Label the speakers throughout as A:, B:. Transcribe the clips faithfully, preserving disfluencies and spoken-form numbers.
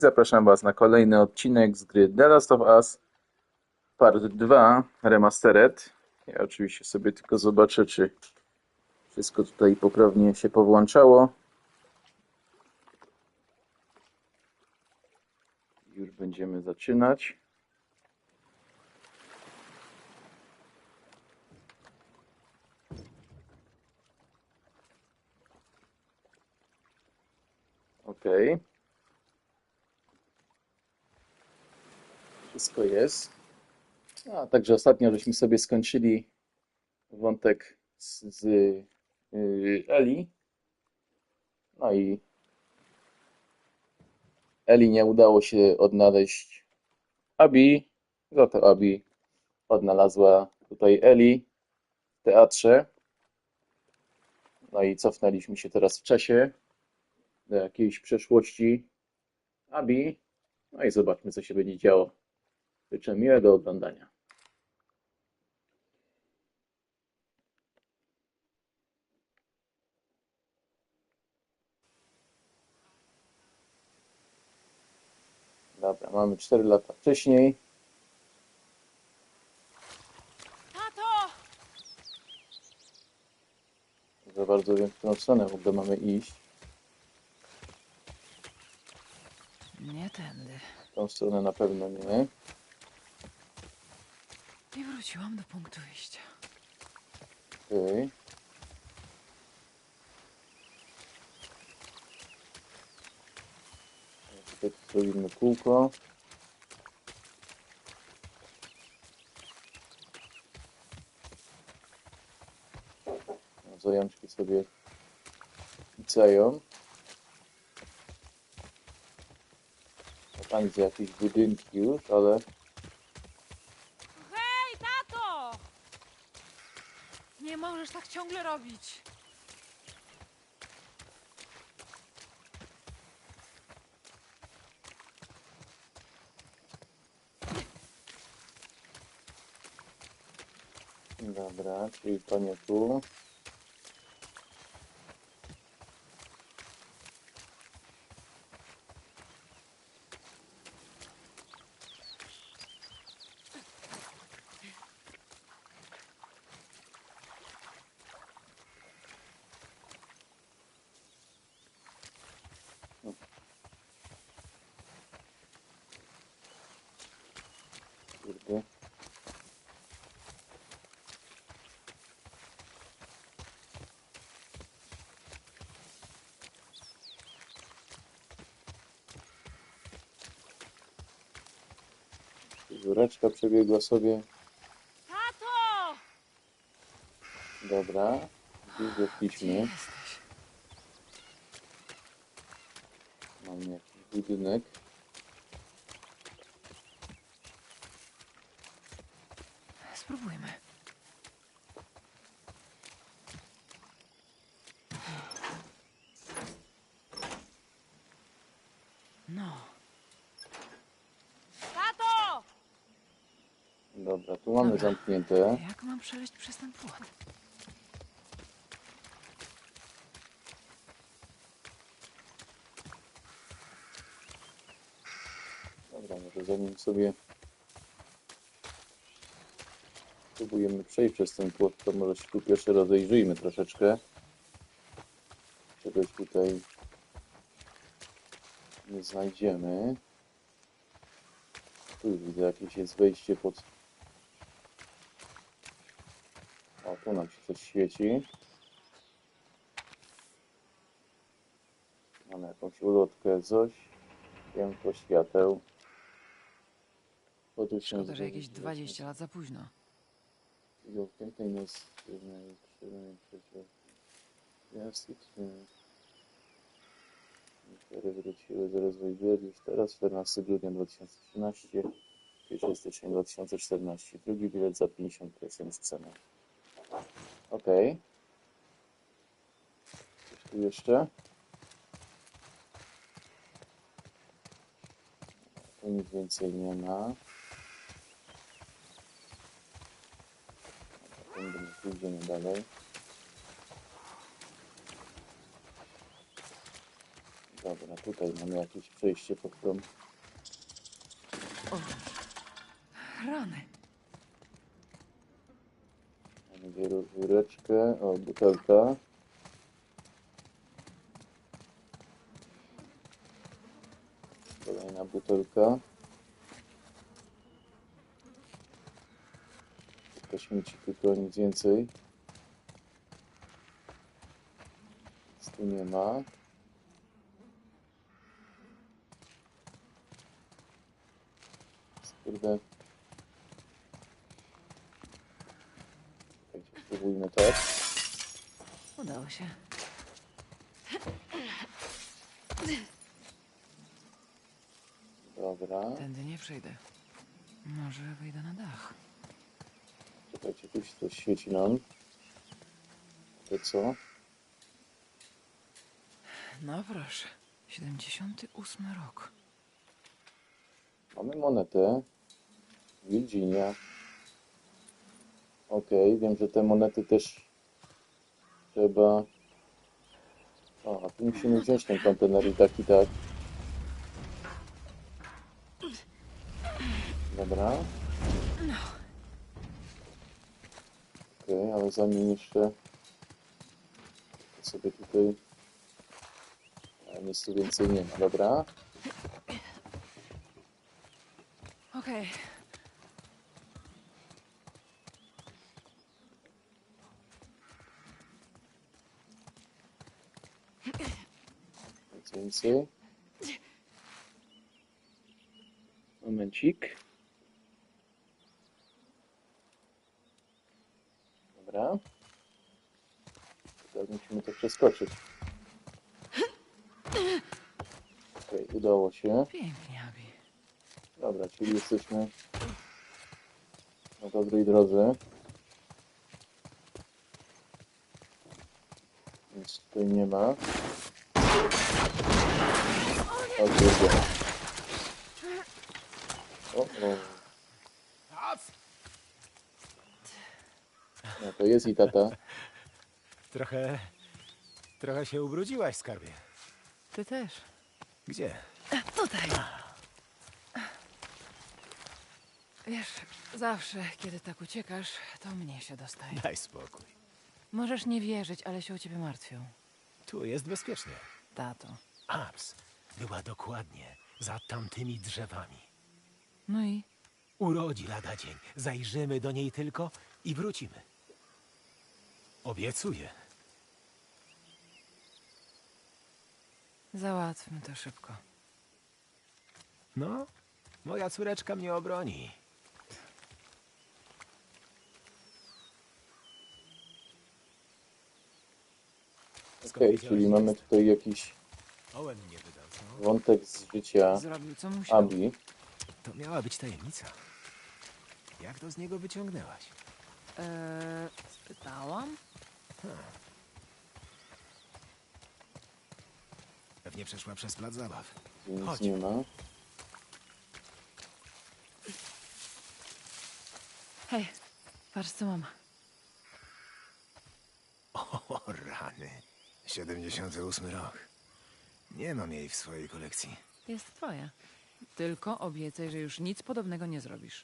A: Zapraszam Was na kolejny odcinek z gry The Last of Us Part dwa Remastered. Ja oczywiście sobie tylko zobaczę, czy wszystko tutaj poprawnie się powłączało. Już będziemy zaczynać. OK. Wszystko jest. A także ostatnio żeśmy sobie skończyli wątek z, z yy, Eli. No i Eli nie udało się odnaleźć Abby. Za to Abby odnalazła tutaj Eli w teatrze. No i cofnęliśmy się teraz w czasie do jakiejś przeszłości Abby. No i zobaczmy, co się będzie działo. Życzę miłego oglądania. Dobra, mamy cztery lata wcześniej.
B: Tato!
A: Za bardzo wiem, w którą stronę w ogóle mamy iść.
B: Nie tędy.
A: W tą stronę na pewno nie.
B: I wróciłam do punktu wyjścia.
A: Okej. Tutaj zrobimy kółko. Zajączki sobie picają. A tam widzę jakieś budynki już, ale
B: Hej, tato! Nie możesz tak ciągle robić.
A: dobra, czyli to nie tu. Kurde. Żureczka przebiegła sobie.
B: Tato!
A: Dobra, gdzieś
B: Gdzie
A: doszliśmy.
B: jesteś?
A: Mamy jakiś budynek.
B: Spróbujmy. No. Tato!
A: Dobra, tu mamy
B: Dobra.
A: zamknięte.
B: Jak mam przejść przez ten płot?
A: Dobra, może zanim sobie próbujemy przejść przez ten płot, to może się tu pierwszy rozejrzyjmy troszeczkę. Czegoś tutaj nie znajdziemy. Tu już widzę, jakieś jest wejście pod... O, tu nam się coś świeci. Mamy jakąś ulotkę, coś. Piękno świateł. Podróż się
B: Szkoda, że jakieś dwadzieścia lat za późno.
A: pięknej nas Niektóre wróciły do rozwoju gier już teraz, czternastego grudnia dwa tysiące trzynastego, pierwszego stycznia dwa tysiące czternastego. Drugi bilet za pięćdziesiąt procent ceny. Ok. Coś tu jeszcze? Tu nic więcej nie ma. Pójdziemy dalej. Dobra, tu tutaj mamy jakieś przejście pod tą.
B: Rany.
A: Mamy wieżyczkę, o, butelka. Kolejna butelka. To śmieci, tylko nic więcej. Nic tu nie ma. Kurde. Czekajcie, spróbujmy tak.
B: Udało się.
A: Dobra.
B: Tędy nie przejdę. Może wejdę na dach.
A: Czekajcie, tu się coś świeci nam. To co?
B: No proszę. siedemdziesiąty ósmy rok.
A: Mamy monetę. Virginia. Okej, wiem, że te monety też trzeba... O, a tu musimy wziąć ten kontener i tak i tak. Dobra. Okej, ale zanim jeszcze to sobie tutaj... A, nic tu więcej nie ma, dobra.
B: Okej.
A: Nic więcej. Momencik. Dobra. Teraz musimy to przeskoczyć. Okej, udało się.
B: Pięknie, Abi.
A: Dobra, czyli jesteśmy na dobrej drodze. Nic tutaj nie ma. O, kurde. O, o. No to jest i tata.
C: Trochę... Trochę się ubrudziłaś, skarbie.
B: Ty też.
C: Gdzie?
B: Tutaj. Wiesz, zawsze, kiedy tak uciekasz, to mnie się dostaje.
C: Daj spokój.
B: Możesz nie wierzyć, ale się o ciebie martwią.
C: Tu jest bezpiecznie.
B: Tato.
C: Abs była dokładnie za tamtymi drzewami.
B: No i?
C: Urodzi lada dzień. Zajrzymy do niej tylko i wrócimy. Obiecuję.
B: Załatwmy to szybko.
C: No, moja córeczka mnie obroni.
A: Okej, czyli mamy tutaj jakiś
C: Owen mnie wydał, co?
A: wątek z życia
B: Zrobił, co musiał.
A: Abi.
C: To miała być tajemnica. Jak to z niego wyciągnęłaś?
B: Eee, spytałam?
C: Pewnie przeszła przez plac zabaw.
A: Gdzie nic
C: Chodź.
A: nie ma.
B: Hej, patrz co mam.
C: O, rany. siedemdziesiąty ósmy rok. Nie mam jej w swojej kolekcji.
B: Jest twoja. Tylko obiecaj, że już nic podobnego nie zrobisz.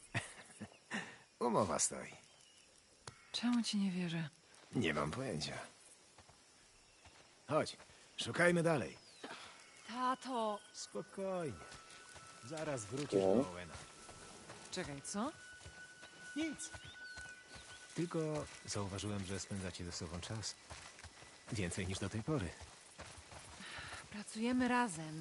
C: Umowa stoi.
B: Czemu ci nie wierzę?
C: Nie mam pojęcia. Chodź, szukajmy dalej.
B: Tato!
C: Spokojnie. Zaraz wrócisz
A: Okej.
C: do Owena.
B: Czekaj, co?
C: Nic. Tylko zauważyłem, że spędzacie ze sobą czas. Więcej niż do tej pory.
B: Pracujemy razem.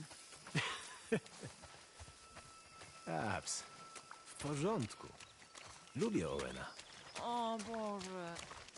C: Abs. W porządku. Lubię Owena.
B: O Boże.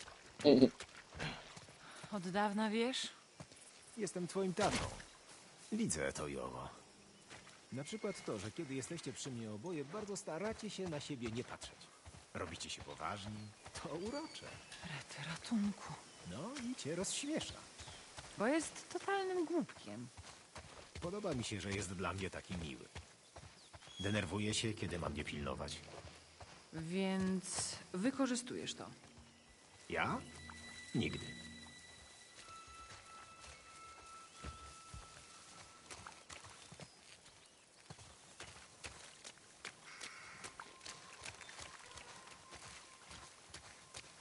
B: Od dawna wiesz?
C: Jestem twoim tatą. Widzę to i owo. Na przykład to, że kiedy jesteście przy mnie oboje, bardzo staracie się na siebie nie patrzeć. Robicie się poważni. To urocze.
B: Rety ratunku.
C: No i cię rozśmiesza.
B: Bo jest totalnym głupkiem.
C: Podoba mi się, że jest dla mnie taki miły. Denerwuje się, kiedy mam mnie pilnować.
B: Więc wykorzystujesz to.
C: Ja? Nigdy.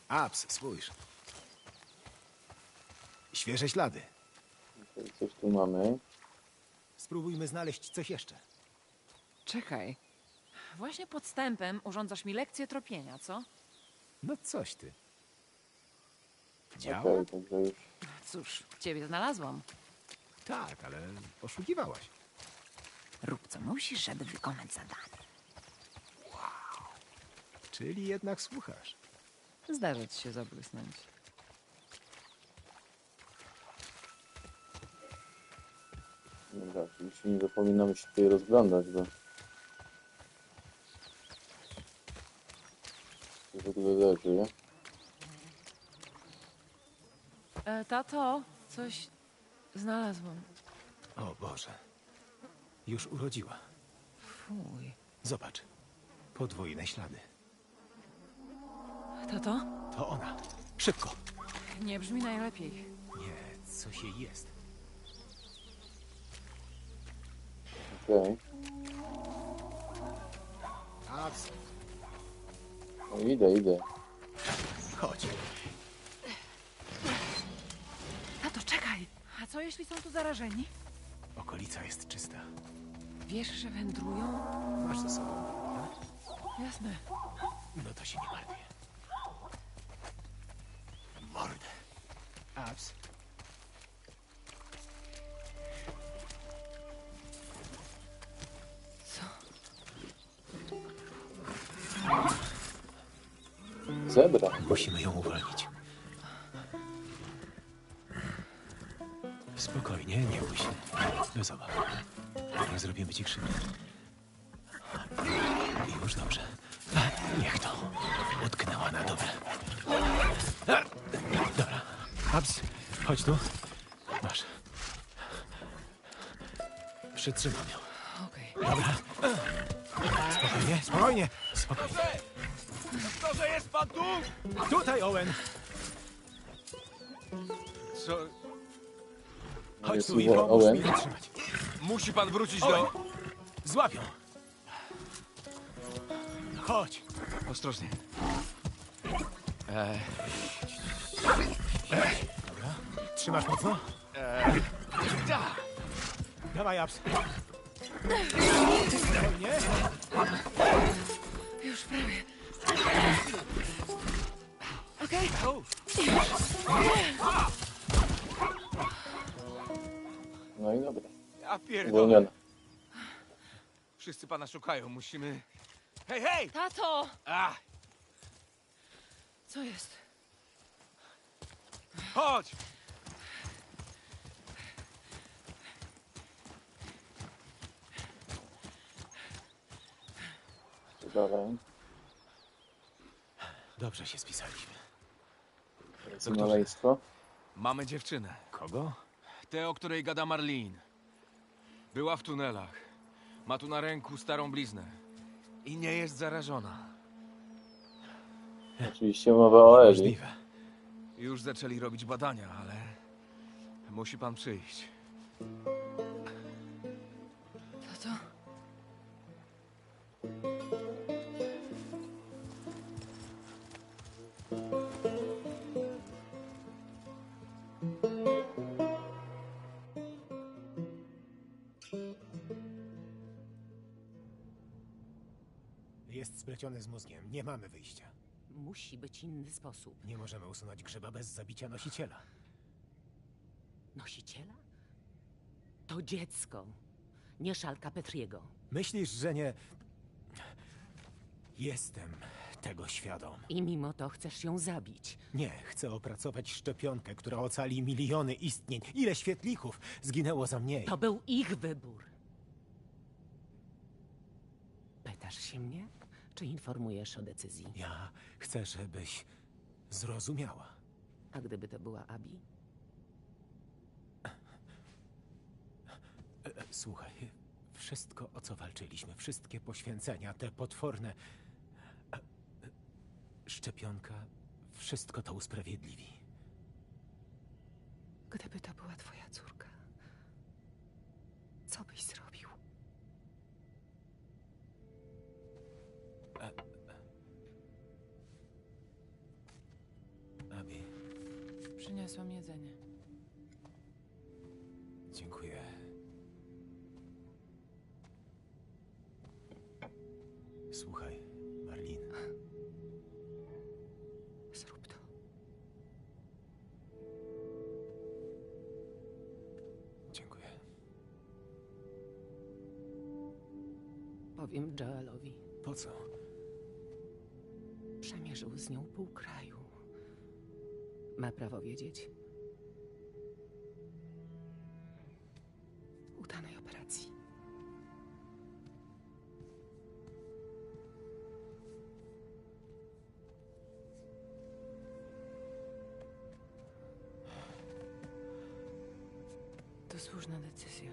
C: Abs, spójrz. Świeże ślady.
A: Okej, coś tu mamy.
C: Spróbujmy znaleźć coś jeszcze.
B: Czekaj. Właśnie podstępem urządzasz mi lekcję tropienia, co?
C: No coś ty. Działa?
A: Okej, także już.
B: Cóż, ciebie znalazłam.
C: Tak, ale oszukiwałaś.
B: Rób co musisz, żeby wykonać zadanie.
C: Czyli jednak słuchasz.
B: Zdarza ci się zabłysnąć.
A: Dobra, oczywiście nie zapominamy się tutaj rozglądać, bo... Co tu leży, nie?
B: E, tato, coś znalazłam.
C: O Boże. Już urodziła.
B: Fuj.
C: Zobacz. Podwójne ślady.
B: Tato?
C: To ona. Szybko.
B: Nie brzmi najlepiej.
C: Nie, coś jej jest.
A: Okej.
C: Abs,
A: No idę, idę.
C: chodź.
B: Tato, czekaj! A co jeśli są tu zarażeni?
C: Okolica jest czysta.
B: Wiesz, że wędrują?
C: Masz ze sobą, tak?
B: Jasne.
C: No to się nie martwię. Mordę. Abs.
B: Co?
A: Zebra.
C: Musimy ją uwolnić. Spokojnie, nie bój się. Bez obaw. Nie zrobimy ci krzywdy. Już dobrze. Niech to. Utknęła na dobre. Dobra. Abs, chodź tu. Masz. Przytrzymam ją.
B: Okej.
C: Dobra. Spokojnie, spokojnie. Spokojnie.
D: Doktorze, jest pan tu?
C: Tutaj, Owen.
D: Co?
C: Chodź
A: Jest
C: tu i
A: Owen.
C: pomóż mi zatrzymać.
D: Musi pan wrócić do...
C: Złapią. Chodź.
D: Ostrożnie. Eee,
C: Dobra. Trzymasz mocno?
D: da!
C: Dawaj, Abs. Spokojnie.
B: Już prawie. Okej?
A: No i dobra.
D: Ja pierdolę.
A: Uwolniona.
D: Wszyscy pana szukają, musimy... Hej, hej!
B: Tato!
D: A,
B: Co jest?
D: chodź!
A: Dalej.
C: Dobrze się spisaliśmy.
A: Maleństwo.
D: Mamy dziewczynę.
C: Kogo?
D: Tę, o której gada Marlene. Była w tunelach. Ma tu na ręku starą bliznę. I nie jest zarażona.
A: Oczywiście mowa o Eli.
C: Możliwe.
D: Już zaczęli robić badania, ale... Musi pan przyjść.
B: Tato?
C: Jest spleciony z mózgiem. Nie mamy wyjścia.
E: Musi być inny sposób.
C: Nie możemy usunąć grzyba bez zabicia nosiciela.
E: Nosiciela? To dziecko, nie szalka Petriego.
C: Myślisz, że nie... Jestem tego świadom.
E: I mimo to chcesz ją zabić.
C: Nie, chcę opracować szczepionkę, która ocali miliony istnień. Ile świetlików zginęło za mniej?
E: To był ich wybór. Pytasz się mnie? Czy informujesz o decyzji?
C: Ja chcę, żebyś zrozumiała.
E: A gdyby to była Abi?
C: E, e, Słuchaj, wszystko, o co walczyliśmy, wszystkie poświęcenia, te potworne... e, e, Szczepionka, wszystko to usprawiedliwi.
B: Gdyby to była twoja córka, co byś zrobił? Przyniosłam jedzenie.
C: Dziękuję. Słuchaj, Marlin.
B: Zrób to.
C: Dziękuję.
E: Powiem Joelowi.
C: Po co?
E: Przemierzył z nią pół kraju. Ma prawo wiedzieć. Udanej operacji.
B: To słuszna decyzja.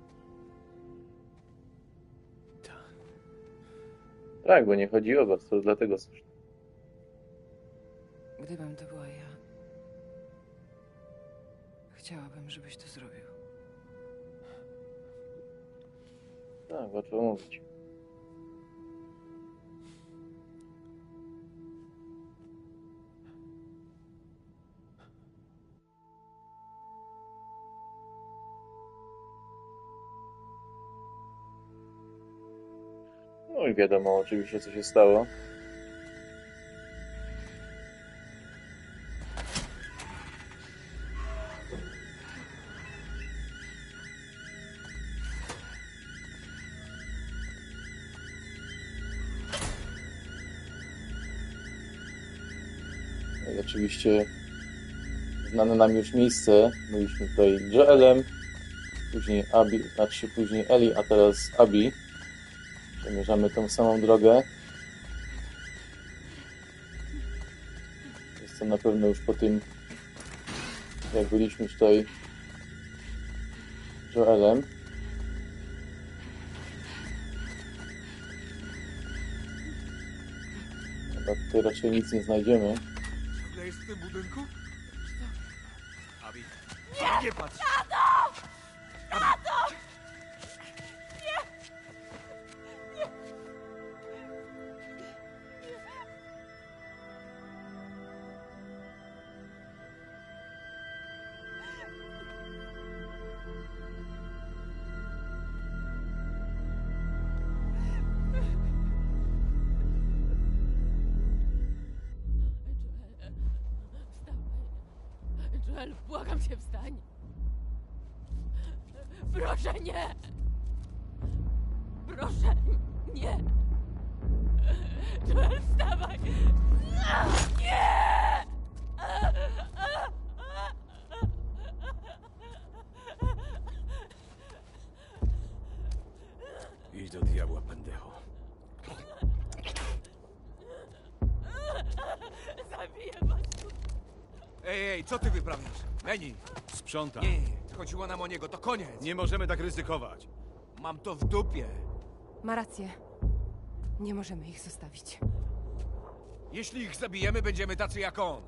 C: Tak.
A: Tak, bo nie chodzi o was, to dlatego słuszne.
B: Gdybym to była ja, chciałabym, żebyś to zrobił.
A: Tak, łatwo mówić. No i wiadomo oczywiście, co się stało. No i oczywiście znane nam już miejsce. Byliśmy tutaj Joelem, później Abby, znaczy później Ellie, a teraz Abby. Przemierzamy tą samą drogę. Jest to na pewno już po tym, jak byliśmy tutaj Joelem. Chyba tutaj raczej nic nie znajdziemy.
D: Ciągle jest w tym budynku? Abi, nie patrz!
B: Joel, błagam cię, wstań. Proszę, nie. Proszę, nie. Joel, wstawaj. Nie!
C: Idź do diabła, pendejo.
B: Zabiję was.
D: Ej, ej, co ty wyprawiasz? Meni!
C: Sprzątam.
D: Nie, chodziło nam o niego, to koniec!
C: Nie możemy tak ryzykować.
D: Mam to w dupie.
B: Ma rację. Nie możemy ich zostawić.
D: Jeśli ich zabijemy, będziemy tacy jak on.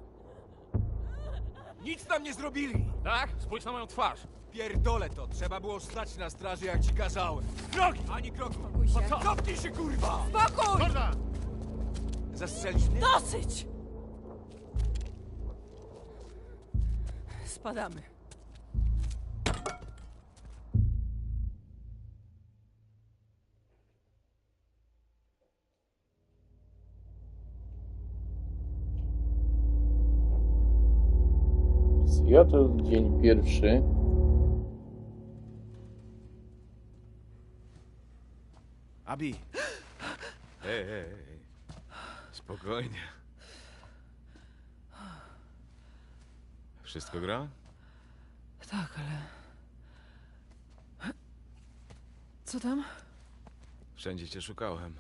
D: Nic nam nie zrobili!
F: Tak? Spójrz na moją twarz.
D: Pierdolę to, trzeba było stać na straży, jak ci kazałem. Drogi! Ani kroku!
B: Spokój się.
D: Co? Cofnij się, kurwa!
B: Spokój!
F: Jordan!
D: Zastrzelisz mnie?
B: Dosyć! Spadamy.
A: Seattle, dzień pierwszy.
C: Abi! Ej, ej, ej. Spokojnie. Wszystko gra?
B: Tak, ale... Co tam?
C: Wszędzie cię szukałem.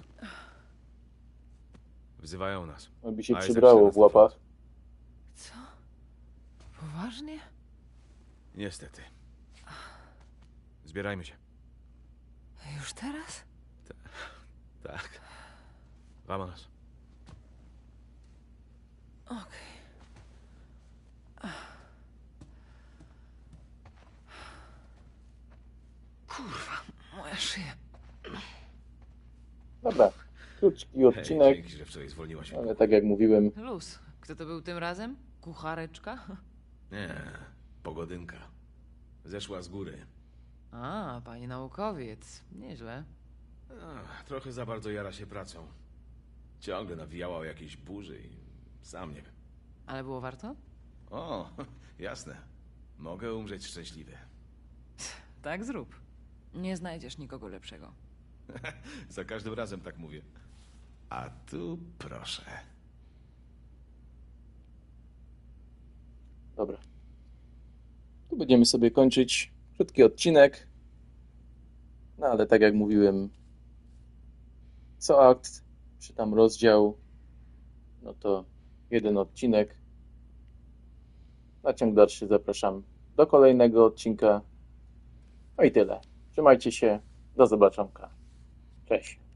C: Wzywają nas.
A: Aby się
C: Isaac
A: przybrało
C: nas
A: w łapach.
B: Co? Poważnie?
C: Niestety. Zbierajmy się.
B: Już teraz?
C: Tak. Vámonos.
B: Okej. Kurwa, moja szyja.
A: Dobra, krótki
C: Hej,
A: odcinek,
C: dzięki, że wczoraj zwolniłaś.
A: ale tak jak mówiłem,
B: Luz. Kto to był tym razem? Kuchareczka?
C: Nie, pogodynka. Zeszła z góry.
B: A, panie naukowiec. Nieźle.
C: Ach, trochę za bardzo jara się pracą. Ciągle nawijała o jakiejś burzy i sam nie wiem.
B: Ale było warto?
C: O, jasne. Mogę umrzeć szczęśliwy.
B: Tak zrób. Nie znajdziesz nikogo lepszego.
C: Za każdym razem tak mówię. A tu proszę.
A: Dobra. Tu będziemy sobie kończyć krótki odcinek. No ale tak jak mówiłem, co akt, czy tam rozdział, no to jeden odcinek. Na ciąg dalszy zapraszam do kolejnego odcinka. No i tyle. Trzymajcie się. Do zobaczonka. Cześć.